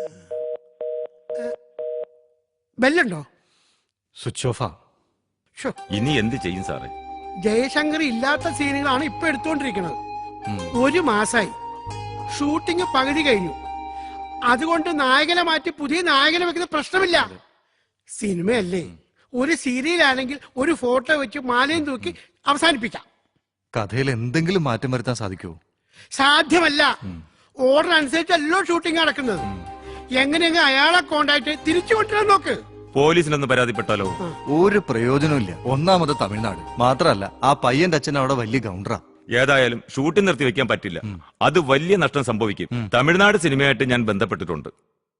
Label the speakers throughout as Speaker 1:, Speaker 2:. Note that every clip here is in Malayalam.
Speaker 1: ബെല്ലുണ്ടോ?
Speaker 2: സ്വിച്ച് ഓഫാ.
Speaker 3: ഇനി എന്ത് ചെയ്യും സാറേ?
Speaker 1: ജയശങ്കർ ഇല്ലാത്ത സീനുകളാണ് ഇപ്പൊ എടുത്തുകൊണ്ടിരിക്കുന്നത്. 1 മാസമായി ഷൂട്ടിംഗ് പകുതി കഴിഞ്ഞു. അതുകൊണ്ട് നായകനെ മാറ്റി പുതിയ നായകനെ വെക്കുന്ന പ്രശ്നമില്ല. സിനിമയല്ലേ, ഒരു സീരിയലാണെങ്കിൽ ഒരു ഫോട്ടോ വെച്ച് മാലയും തൂക്കി അവസാനിപ്പിക്കാം.
Speaker 2: കഥയിൽ എന്തെങ്കിലും മാറ്റം വരുത്താൻ സാധിക്കുമോ?
Speaker 1: സാധ്യമല്ല. ഓർഡർ അനുസരിച്ചല്ലോ ഷൂട്ടിംഗ് നടക്കുന്നത്. എങ്ങനെയെങ്കിലും അയാളെ കോണ്ടാക്ട് തിരിച്ചു കൊണ്ടുവരാൻ നോക്ക്.
Speaker 3: പോലീസിനൊന്ന് പരാതിപ്പെട്ടാലോ?
Speaker 2: ഒരു പ്രയോജനമില്ല. ഒന്നാമത് തമിഴ്നാട് മാത്രല്ല, ആ പയ്യന്റെ അച്ഛൻ അവിടെ വലിയ ഗൗണ്ടറാ.
Speaker 3: ഏതായാലും ഷൂട്ടിംഗ് നിർത്തി വെക്കാൻ പറ്റില്ല. അത് വലിയ നഷ്ടം സംഭവിക്കും. തമിഴ്നാട് സിനിമയായിട്ട് ഞാൻ ബന്ധപ്പെട്ടിട്ടുണ്ട്.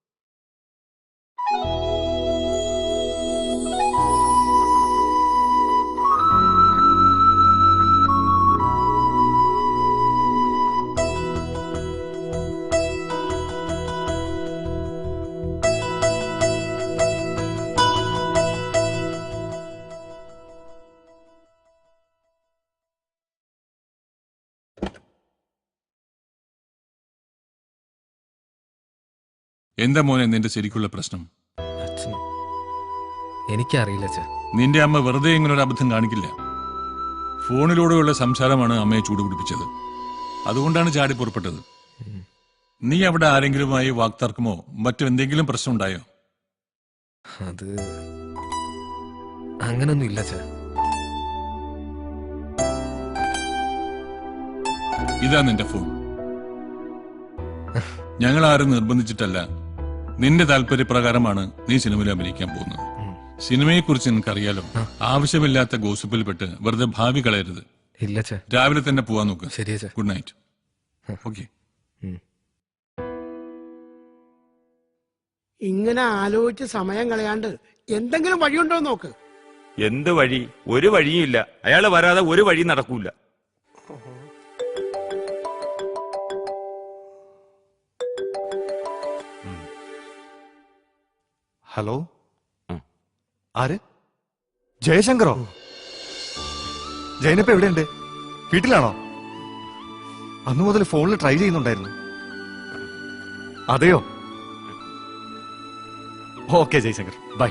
Speaker 4: എന്താ മോനെ നിന്റെ ശരിക്കുള്ള പ്രശ്നം?
Speaker 5: എനിക്കറിയില്ല.
Speaker 4: നിന്റെ അമ്മ വെറുതെ ഇങ്ങനൊരു അബദ്ധം കാണിക്കില്ല. ഫോണിലൂടെയുള്ള സംസാരമാണ് അമ്മയെ ചൂടുപിടിപ്പിച്ചത്. അതുകൊണ്ടാണ് ചാടി പുറപ്പെട്ടത്. നീ അവിടെ ആരെങ്കിലുമായി വാക്തർക്കമോ മറ്റെന്തെങ്കിലും പ്രശ്നം ഉണ്ടായോ?
Speaker 5: അത് അങ്ങനൊന്നും ഇല്ല.
Speaker 4: ഇതാ നിന്റെ ഫോൺ. ഞങ്ങൾ ആരും നിർബന്ധിച്ചിട്ടല്ല, നിന്റെ താല്പര്യപ്രകാരമാണ് നീ സിനിമയിൽ അഭിനയിക്കാൻ പോകുന്നത്. സിനിമയെക്കുറിച്ച് നിനക്കറിയാലോ. ആവശ്യമില്ലാത്ത ഗോസിപ്പിൽപ്പെട്ട് വെറുതെ ഭാവി കളയരുത്.
Speaker 5: ഇല്ല.
Speaker 4: രാവിലെ തന്നെ പോവാൻ നോക്ക്.
Speaker 5: ശരിയാ.
Speaker 4: Good night. ഓക്കെ.
Speaker 1: ഇങ്ങനെ ആലോചിച്ച് സമയം കളയാണ്ട് എന്തെങ്കിലും വഴിയുണ്ടോ നോക്ക്.
Speaker 3: എന്ത് വഴി? ഒരു വഴിയും ഇല്ല. അയാള് വരാതെ ഒരു വഴി നടക്കൂല.
Speaker 2: ഹലോ, ആര്? ജയശങ്കറോ? ജയനപ്പ എവിടെയുണ്ട്? വീട്ടിലാണോ? അന്നു മുതൽ ഫോണിൽ ട്രൈ ചെയ്യുന്നുണ്ടായിരുന്നു. അതെയോ? Okay Jayashankar, bye.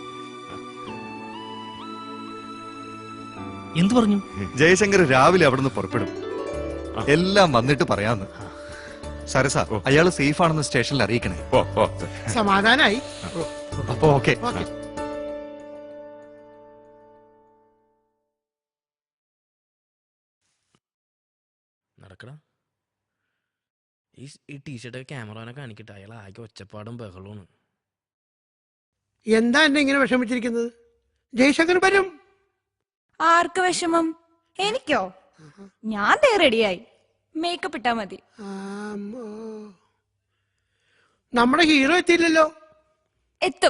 Speaker 5: എന്തു പറഞ്ഞു?
Speaker 2: ജയശങ്കർ രാവിലെ അവിടെ നിന്ന് പുറപ്പെടും. എല്ലാം വന്നിട്ട് പറയാന്ന്. സരസ, അയാള് സേഫ് ആണെന്ന് സ്റ്റേഷനിൽ അറിയിക്കണേ.
Speaker 1: സമാധാനായി.
Speaker 2: അപ്പൊ ഓക്കെ.
Speaker 6: നടക്കടാ. ഈ ടീഷർട്ടൊക്കെ ക്യാമറനെ കാണിക്കട്ടെ. അയാൾ ആകെ ഒച്ചപ്പാടും ബഹളമാണ്.
Speaker 1: എന്താ എന്നെ ഇങ്ങനെ വിഷമിച്ചിരിക്കുന്നത്? ജയശങ്കർ വരും.
Speaker 7: ആർക്ക് വിഷമം? എനിക്കോ? ഞാൻ ദേ റെഡിയായി. മേക്കപ്പ് ഇട്ടാ മതി.
Speaker 1: നമ്മുടെ ഹീറോ എത്തിയില്ലല്ലോ.
Speaker 7: എത്തും.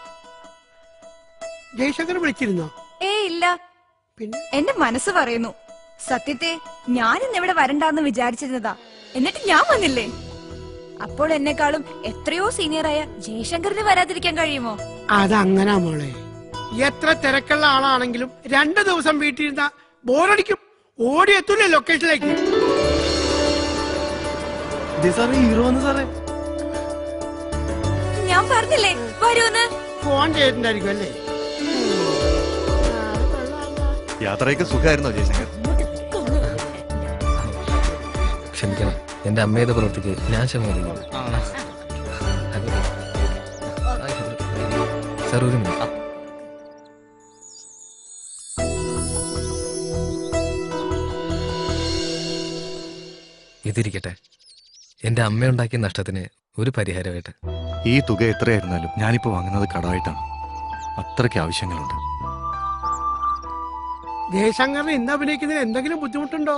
Speaker 1: ജയശങ്കർ വിളിച്ചിരുന്നോ?
Speaker 7: ഇല്ല.
Speaker 1: പിന്നെ
Speaker 7: എന്റെ മനസ്സ് പറയുന്നു. സത്യത്തെ ഞാൻ ഇന്നിവിടെ വരണ്ടാന്ന് വിചാരിച്ചിരുന്നതാ. എന്നിട്ട് ഞാൻ വന്നില്ലേ? അപ്പോൾ എന്നെക്കാളും എത്രയോ സീനിയറായ ജയശങ്കറിന് വരാതിരിക്കാൻ കഴിയുമോ?
Speaker 1: അതങ്ങനാ മോളെ. എത്ര തിരക്കുള്ള ആളാണെങ്കിലും 2 ദിവസം വീട്ടിലിരുന്ന ബോറടിക്കും. ഓടിയെത്തൂലേ ലൊക്കേഷനിലേക്ക്.
Speaker 5: ഹീറോ സാറേ,
Speaker 7: ഞാൻ പറഞ്ഞില്ലേ വരൂന്ന്.
Speaker 1: ഫോൺ ചെയ്തിട്ടുണ്ടായിരിക്കും അല്ലേ?
Speaker 2: യാത്രയൊക്കെ സുഖമായിരുന്നോ ജയശങ്കർ?
Speaker 5: ക്ഷമിക്കണം, എന്റെ അമ്മയുടെ പ്രവൃത്തിക്ക് ഞാൻ ക്ഷമിക്കുന്നു. സാർ, ഒരു മിനിറ്റ്. ഇതിരിക്കട്ടെ, എന്റെ അമ്മ ഉണ്ടാക്കിയ നഷ്ടത്തിന് ഒരു പരിഹാരമായിട്ട്.
Speaker 2: ഈ തുക എത്രയായിരുന്നാലും ഞാനിപ്പോ വാങ്ങുന്നത് കടമായിട്ടാണ്. അത്രയ്ക്ക് ആവശ്യങ്ങളുണ്ട്.
Speaker 1: ജയശങ്കറിന് ഇന്ന് അഭിനയിക്കുന്നതിന് എന്തെങ്കിലും ബുദ്ധിമുട്ടുണ്ടോ?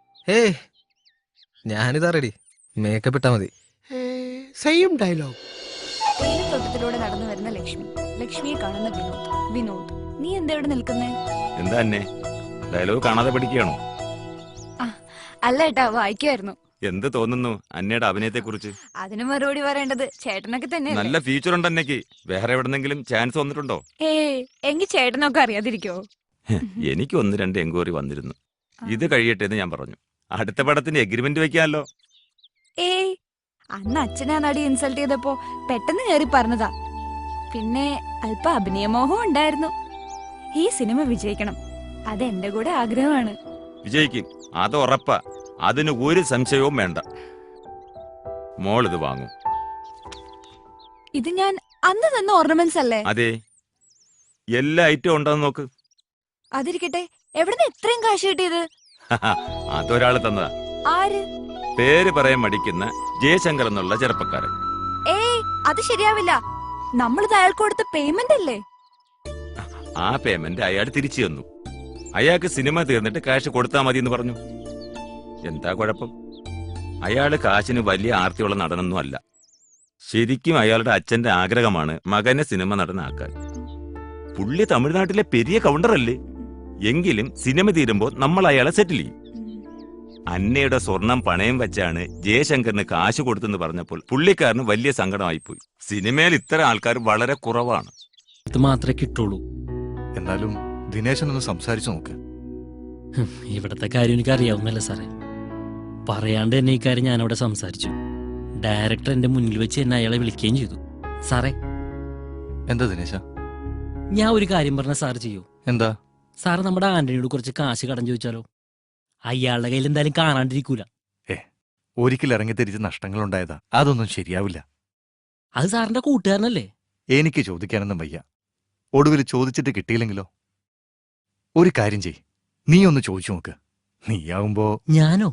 Speaker 5: ഞാനിതാ റെഡി. മേക്കപ്പ് ഇട്ടാ മതി.
Speaker 1: Same dialogue.
Speaker 7: തേയിലത്തോട്ടത്തിലൂടെ നടന്നു വരുന്ന ലക്ഷ്മി, ലക്ഷ്മിയെ കാണുന്ന വിനോദ്. വിനോദ്, നീ എന്താ ഇവിടെ നിൽക്കുന്നേ?
Speaker 3: എന്താ എന്നെ ഡയലോഗ് കാണാതെ പഠിക്കുകയാണോ?
Speaker 7: അല്ല ഏട്ടാ, വായിക്കുമായിരുന്നു.
Speaker 3: എന്ത് തോന്നുന്നു അന്നയുടെ അഭിനയത്തെ കുറിച്ച്?
Speaker 7: അതിന് മറുപടി പറയേണ്ടത് ചേട്ടനൊക്കെ തന്നെ.
Speaker 3: നല്ല ഫ്യൂച്ചർ ഉണ്ട് അന്നയ്ക്ക്. വേറെ എവിടെന്നെങ്കിലും ചാൻസ് വന്നിട്ടുണ്ടോ?
Speaker 7: എങ്കിൽ ചേട്ടനൊക്കെ അറിയാതിരിക്കോ?
Speaker 3: എനിക്ക് 1-2 എൻക്വയറി വന്നിരുന്നു. ഇത് കഴിയട്ടെ എന്ന് ഞാൻ പറഞ്ഞു. അടുത്ത പടത്തിന് എഗ്രിമെന്റ് വെക്കാമല്ലോ.
Speaker 7: അന്ന് അച്ഛനെ ആ നടി ഇൻസൾട്ട് ചെയ്തപ്പോ പെട്ടെന്ന് കയറി പറഞ്ഞതാ. പിന്നെ അല്പ അഭിനയമോഹവും ഉണ്ടായിരുന്നു. ഈ സിനിമ വിജയിക്കണം, അതെന്റെ കൂടെ ആഗ്രഹമാണ്.
Speaker 3: വിജയിക്കും, അത് ഉറപ്പാ. അതിന് ഒരു സംശയവും വേണ്ട. മോളിത് വാങ്ങും.
Speaker 7: ഇത് ഞാൻ അന്ന് തന്ന ഓർണമെന്റ്സ് അല്ലേ?
Speaker 3: അതെ, എല്ലാ ഐറ്റവും ഉണ്ടെന്ന് നോക്ക്.
Speaker 7: അതിരിക്കട്ടെ, എവിടുന്ന് ഇത്രയും കാശ് കിട്ടിയത്?
Speaker 3: അതൊരാള് തന്നതാ.
Speaker 7: ആര്?
Speaker 3: പേര് പറയാൻ മടിക്കുന്ന ജയശങ്കർ എന്നുള്ള ചെറുപ്പക്കാരൻ.
Speaker 7: ഏയ്, അത് ശരിയാവില്ല. നമ്മളിത് അയാൾക്ക് കൊടുത്ത പേയ്മെന്റ് അല്ലേ?
Speaker 3: ആ പേയ്മെന്റ് അയാൾ തിരിച്ചു തന്നു. അയാൾക്ക് സിനിമ തീർന്നിട്ട് കാശ് കൊടുത്താൽ മതി എന്ന് പറഞ്ഞു. എന്താ കുഴപ്പം? അയാള് കാശിന് വലിയ ആർത്തിയുള്ള നടനൊന്നും അല്ല. ശരിക്കും അയാളുടെ അച്ഛന്റെ ആഗ്രഹമാണ് മകനെ സിനിമ നടനാക്കാൻ. പുള്ളി തമിഴ്നാട്ടിലെ പെരിയ കൗണ്ടറല്ലേ? എങ്കിലും സിനിമ തീരുമ്പോ നമ്മൾ അയാളെ സെറ്റിൽ ചെയ്യും. അന്നയുടെ സ്വർണം പണയം വെച്ചാണ് ജയശങ്കറിന് കാശ് കൊടുത്തെന്ന് പറഞ്ഞപ്പോൾ പുള്ളിക്കാരന് വലിയ സങ്കടമായിപ്പോയി. സിനിമയിൽ ഇത്തരം ആൾക്കാർ വളരെ കുറവാണ്.
Speaker 6: ഇത് മാത്രമേ കിട്ടുള്ളൂ.
Speaker 2: എന്നാലും ദിനേശനൊന്ന് സംസാരിച്ചു നോക്ക്.
Speaker 6: ഇവിടത്തെ കാര്യം എനിക്ക് അറിയാവുന്നല്ലേ സാറേ. പറയാണ്ട് തന്നെ ഈ കാര്യം ഞാനവിടെ സംസാരിച്ചു. ഡയറക്ടർ എന്റെ മുന്നിൽ വെച്ച് എന്നെ അയാളെ വിളിക്കുകയും ചെയ്തു. സാറേ,
Speaker 2: എന്താ ദിനേശ?
Speaker 6: ഞാൻ ഒരു കാര്യം പറഞ്ഞ സാർ ചെയ്യൂ?
Speaker 2: എന്താ?
Speaker 6: സാറ് നമ്മുടെ ആന്റണിയോട് കുറച്ച് കാശ് കടം ചോദിച്ചാലോ? അയാളുടെ കയ്യിൽ എന്തായാലും കാണാണ്ടിരിക്കൂല.
Speaker 2: ഒരിക്കൽ ഇറങ്ങിത്തിരിച്ച് നഷ്ടങ്ങൾ ഉണ്ടായതാ, അതൊന്നും ശരിയാവില്ല.
Speaker 6: അത് സാറിന്റെ കൂട്ടുകാരനല്ലേ?
Speaker 2: എനിക്ക് ചോദിക്കാനൊന്നും വയ്യ. ഒടുവിൽ ചോദിച്ചിട്ട് കിട്ടിയില്ലെങ്കിലോ? ഒരു കാര്യം ചെയ്, നീ ഒന്ന് ചോദിച്ചു നോക്ക്. നീയാവുമ്പോ.
Speaker 6: ഞാനോ?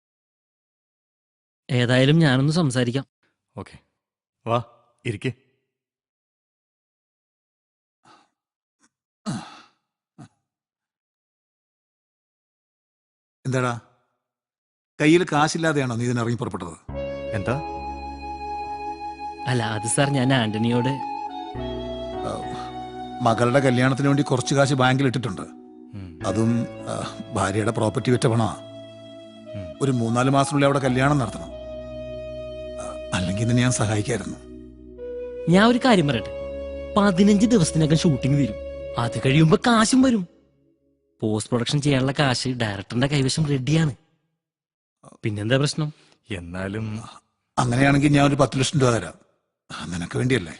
Speaker 6: ഏതായാലും ഞാനൊന്ന് സംസാരിക്കാം.
Speaker 2: ഓക്കെ, വാ ഇരിക്കേ.
Speaker 8: എന്താടാ, കയ്യിൽ കാശില്ലാതെയാണോ നീ ഇതിനിറങ്ങി പുറപ്പെട്ടത്?
Speaker 2: എന്താ?
Speaker 6: അല്ല, അത് സാർ ഞാൻ ആന്റണിയോട്
Speaker 8: മകളുടെ കല്യാണത്തിന് വേണ്ടി കുറച്ച് കാശ് ബാങ്കിൽ ഇട്ടിട്ടുണ്ട്. അതും ഭാര്യയുടെ പ്രോപ്പർട്ടി വിറ്റ പണമാ. ഒരു 3-4 മാസത്തിനുള്ളിൽ അവിടെ കല്യാണം നടത്തണം. അല്ലെങ്കിൽ ഇന്ന് ഞാൻ സഹായിക്കായിരുന്നു.
Speaker 6: ഞാൻ ഒരു കാര്യം പറയട്ടെ, 15 ദിവസത്തിനകം ഷൂട്ടിംഗ് വരും. അത് കഴിയുമ്പോ കാശും വരും. പോസ്റ്റ് പ്രൊഡക്ഷൻ ചെയ്യാനുള്ള കാശ് ഡയറക്ടറിന്റെ കൈവശം റെഡിയാണ്. പിന്നെന്താ പ്രശ്നം?
Speaker 2: എന്നാലും
Speaker 8: അങ്ങനെയാണെങ്കിൽ ഞാൻ ഒരു 10 ലക്ഷം രൂപ തരാം. നിനക്ക് വേണ്ടിയല്ലേ?